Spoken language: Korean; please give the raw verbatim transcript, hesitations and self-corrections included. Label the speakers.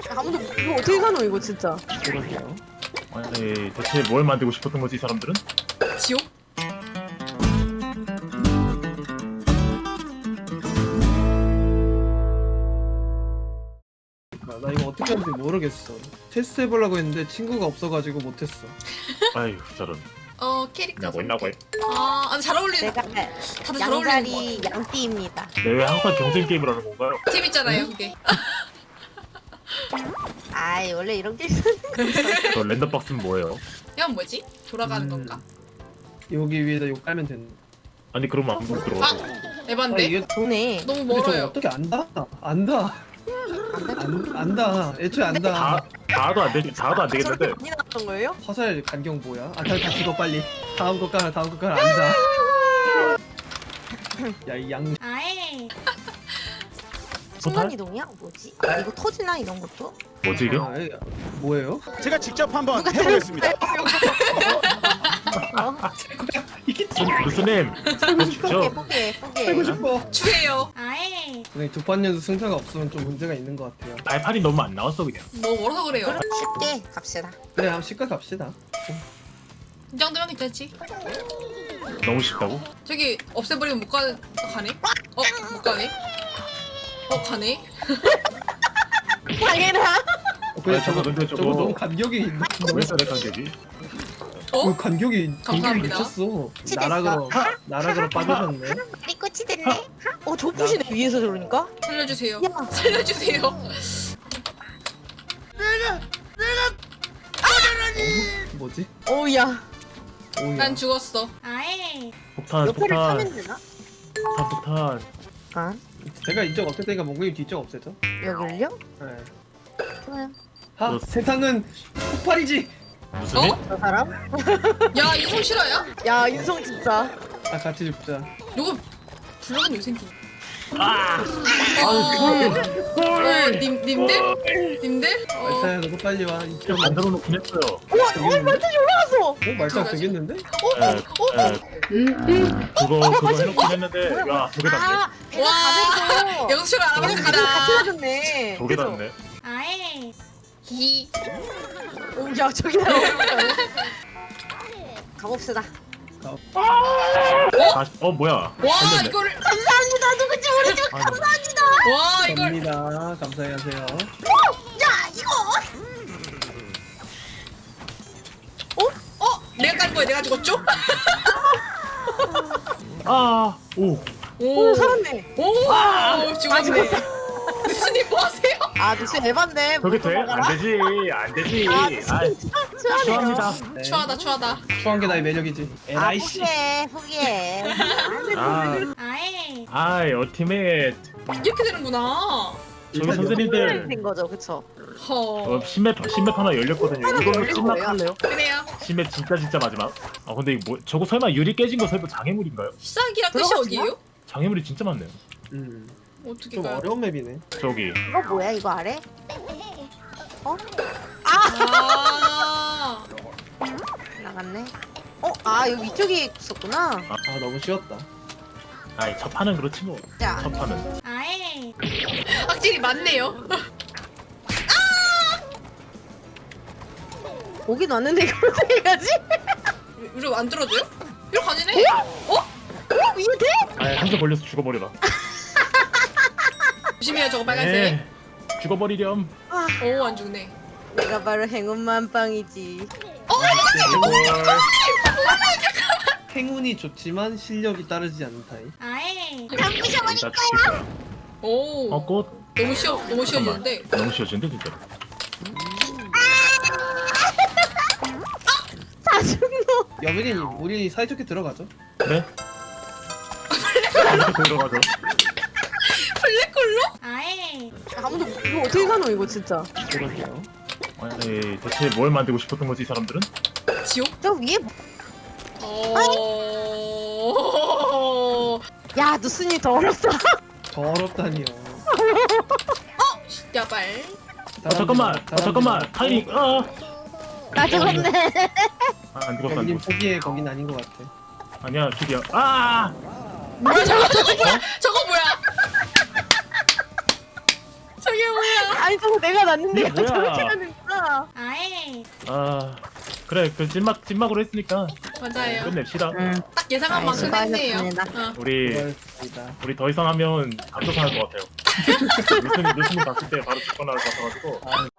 Speaker 1: 아무도 이거 어떻게 가노 이거 진짜.
Speaker 2: 그러게요.
Speaker 3: 아니 대체 뭘 만들고 싶었던 거지 이 사람들은?
Speaker 4: 지옥?
Speaker 2: 아, 나 이거 어떻게 하는지 모르겠어. 테스트 해보려고 했는데 친구가 없어가지고 못했어.
Speaker 3: 아유 저런.
Speaker 4: 어 캐릭터
Speaker 3: 있나고 있나고 해.
Speaker 4: 아, 아, 잘 어울리는
Speaker 1: 내가
Speaker 4: 다들 잘 어울리는 거
Speaker 1: 양다리 양띠입니다.
Speaker 3: 내왜 항상 경쟁 게임을 하는 건가요?
Speaker 4: 재밌잖아요 그게.
Speaker 1: 아이 원래 이런 게
Speaker 3: 저 랜덤 박스는 뭐예요?
Speaker 4: 이건 뭐지? 돌아가는
Speaker 2: 음.
Speaker 4: 건가?
Speaker 2: 여기 위에다 이거 깔면 되는.
Speaker 3: 아니 그러면 안 보고 들어가죠.
Speaker 2: 아
Speaker 4: 에반데?
Speaker 2: 이게
Speaker 1: 좋네.
Speaker 4: 너무
Speaker 2: 근데 저거
Speaker 4: 멀어요.
Speaker 2: 어떻게 안다? 안다. 안 안다. 애초에 안다.
Speaker 3: 다 다도 안 되지. 다도 안 되겠는데.
Speaker 1: 저렇게 많이 나왔던 거예요?
Speaker 2: 화살 간격 뭐야? 아, 다, 다 죽어 빨리. 다음 거 깔아, 다음 거 깔아. 안다. 야, 이 양.
Speaker 4: 아예.
Speaker 1: 순간 이동이야? 뭐지? 아, 이거 터지나 이런 것도?
Speaker 3: 뭐지 이게?
Speaker 2: 아, 이- 뭐예요?
Speaker 5: 제가 직접 한번 해보겠습니다.
Speaker 1: 어?
Speaker 2: 이게
Speaker 3: 교수님
Speaker 1: 포기해
Speaker 3: 주죠.
Speaker 1: 포기해 포기해.
Speaker 2: 살고 싶어.
Speaker 4: 추해요. 아예.
Speaker 2: 근데 두 판 연속 승차가 없으면 좀 문제가 있는 것 같아요.
Speaker 3: 발판이 너무 안 나왔어 그냥.
Speaker 4: 너무 멀어서 그래요.
Speaker 1: 그럼 쉽게 갑시다.
Speaker 2: 그래, 한번 시가 갑시다.
Speaker 4: 이 정도면 괜찮지?
Speaker 3: 너무 쉽다고?
Speaker 4: 저기 없애버리면 못 가, 가네? 어? 못 가네? 어? 가네?
Speaker 1: 당해라.
Speaker 2: 어, 그래,
Speaker 3: 아니,
Speaker 2: 저거,
Speaker 3: 근데
Speaker 2: 저거
Speaker 3: 저거-
Speaker 2: 너무 간격이 너무
Speaker 3: 왜 저래 간격이?
Speaker 2: 어?
Speaker 4: 어?
Speaker 2: 간격이 간격이
Speaker 4: 감사합니다.
Speaker 2: 미쳤어.
Speaker 1: 치댔어.
Speaker 2: 나락으로 나락으로 빠져졌네.
Speaker 1: 이 끝이 됐네. 어 좁으시네 위에서 저러니까.
Speaker 4: 살려주세요.
Speaker 1: 야.
Speaker 4: 살려주세요.
Speaker 2: 뭐지?
Speaker 1: 어우야.
Speaker 2: 오야.
Speaker 4: 난 죽었어. 아예.
Speaker 3: 폭탄
Speaker 1: 옆에를
Speaker 3: 폭탄
Speaker 1: 타면 되나?
Speaker 3: 폭탄 폭탄.
Speaker 1: 아
Speaker 2: 제가 이쪽 없앨 테니까 몽골님 뒤쪽 없애죠.
Speaker 1: 여기를요?
Speaker 2: 네.
Speaker 1: 좋아요.
Speaker 2: 아,
Speaker 3: 너-
Speaker 2: 세상은 폭발이지.
Speaker 3: 무슨
Speaker 4: 어?
Speaker 3: 일?
Speaker 1: 저 사람?
Speaker 4: 야, 인성 실화야?
Speaker 1: 야 인성 진짜.
Speaker 2: 아, 같이 죽자.
Speaker 4: 누구 불러간 요생기.
Speaker 3: 아!
Speaker 4: 어, 어,
Speaker 3: 헐!
Speaker 4: 님, 님들? 님들? 어,
Speaker 2: 말타야, 너도 빨리 와. 이
Speaker 3: 좀 만들어 놓긴 했어요.
Speaker 1: 우와 어 완전히 올라갔어.
Speaker 2: 어, 말타 되겠는데?
Speaker 3: 에, 에, 그거 그거 해놓긴 했는데 야 저게 닿네.
Speaker 1: 아 배가
Speaker 4: 와,
Speaker 1: 가면서.
Speaker 4: 영수를
Speaker 1: 가면 같이
Speaker 4: 알아봤습니다.
Speaker 1: 해줬네.
Speaker 3: 저게 닿네.
Speaker 4: 아예. 히.
Speaker 1: 오야 저기 나. 가봅시다.
Speaker 3: 다시 어 뭐야?
Speaker 4: 와,
Speaker 3: 했는데.
Speaker 4: 이거를.
Speaker 1: 감사합니다. 누군지 모르지만
Speaker 3: 아니,
Speaker 1: 감사합니다.
Speaker 4: 와, 이걸.
Speaker 2: 갑니다. 감사히 하세요.
Speaker 1: 야 이거.
Speaker 4: 어? 내가 깐 거야, 내가 죽었죠?
Speaker 3: 아, 오.
Speaker 1: 오 살았네.
Speaker 4: 오, 죽었네.
Speaker 1: 죽었어.
Speaker 4: 뉴스님 뭐 하세요?
Speaker 1: 아 무슨 에반데.
Speaker 3: 저게 돼? 안 되지, 안 되지.
Speaker 1: 아
Speaker 3: 아, 추합니다.
Speaker 2: 네.
Speaker 4: 추하다, 추하다.
Speaker 2: 추한 게 나의 매력이지.
Speaker 1: 아
Speaker 2: 에라이씨.
Speaker 1: 포기해 포기해.
Speaker 3: 아,
Speaker 4: 아예.
Speaker 3: 아이, 어티메이트.
Speaker 4: 이렇게 되는구나.
Speaker 3: 저기
Speaker 2: 일단
Speaker 3: 선생님들,
Speaker 1: 된 거죠 그쵸?
Speaker 4: 허.
Speaker 3: 어, 신맵 신맵 하나 열렸거든요. 이걸로
Speaker 1: 열린
Speaker 3: 신맵
Speaker 1: 거예요?
Speaker 3: 할래요?
Speaker 4: 그래요.
Speaker 3: 신맵 진짜 진짜 마지막. 아, 근데 이거 뭐 저거 설마 유리 깨진 거 설마 장애물인가요?
Speaker 4: 시작이랑 끝이
Speaker 1: 들어갔지나?
Speaker 4: 어디예요?
Speaker 3: 장애물이 진짜 많네요.
Speaker 2: 음,
Speaker 4: 어떻게
Speaker 2: 좀
Speaker 4: 가요?
Speaker 2: 어려운 맵이네.
Speaker 3: 저기
Speaker 1: 이거 뭐야 이거 아래? 어?
Speaker 4: 아.
Speaker 1: 나갔네. 어? 아 여기 위쪽에 있었구나.
Speaker 2: 아, 너무 쉬웠다.
Speaker 3: 아이 첫 판은 그렇지 뭐.
Speaker 1: 자
Speaker 3: 첫 판은.
Speaker 4: 아예. 확실히 많네요.
Speaker 1: 오긴 왔는데 이걸 어떻게 가지?
Speaker 4: 이거 안 들어줘요? 이렇게 가지네? 어?
Speaker 1: 어? 이거 돼?
Speaker 3: 아이 한점 걸려서 죽어버려라.
Speaker 4: 조심해요, 저거 빨간색.
Speaker 3: 네, 죽어버리렴.
Speaker 1: 아
Speaker 4: 오, 안 죽네.
Speaker 1: 내가 바로 행운만빵이지.
Speaker 2: 행운이 좋지만 실력이 따르지 않는 타입.
Speaker 4: 아예.
Speaker 3: 진짜 죽일 거야.
Speaker 4: 오.
Speaker 3: 어 꽃.
Speaker 4: 너무 쉬워, 너무 쉬워지는데.
Speaker 3: 너무 쉬워진데 진짜.
Speaker 1: 다 죽노.
Speaker 2: 여빈이님, 우리 사이좋게 들어가죠.
Speaker 3: 그래? 이렇게 들어가죠.
Speaker 4: 블랙홀로? 아예.
Speaker 1: 아무도 이거 어떻게 가노 이거 진짜.
Speaker 2: 그러게요.
Speaker 3: 아니 대체 뭘 만들고 싶었던 거지 이 사람들은?
Speaker 4: 지옥?
Speaker 1: 저 위에 뭐-
Speaker 4: 어.
Speaker 1: 야 누스님 더 어렵다.
Speaker 2: 더럽다니요.
Speaker 4: 야발.
Speaker 3: 어 잠깐만. 어 잠깐만. 타이밍. 아.
Speaker 1: 나 죽었네.
Speaker 3: 아, 안 죽었어 안
Speaker 2: 여빈님
Speaker 3: 죽었어.
Speaker 2: 포기해, 거긴 아닌 것 같아.
Speaker 3: 아니야 죽이야. 아.
Speaker 4: 뭐야, 저거, 저거 뭐야? 저거 뭐야? 저게 뭐야?
Speaker 1: 아니 저거 내가 났는데
Speaker 3: 이게 뭐야?
Speaker 1: 저렇게 가는구나.
Speaker 4: 아예.
Speaker 3: 아 그래 그 찐막 찐막으로 했으니까
Speaker 4: 맞아요.
Speaker 3: 끝냅시다.
Speaker 4: 딱 예상한
Speaker 1: 아이,
Speaker 4: 만큼 했네요.
Speaker 1: 수고하셨습니다.
Speaker 4: 어.
Speaker 3: 우리
Speaker 2: 고맙습니다.
Speaker 3: 우리 더 이상 하면 감독할 것 같아요. 루스님 루스님 봤을 때 바로 직권 나올 것 같아가지고.
Speaker 2: 아,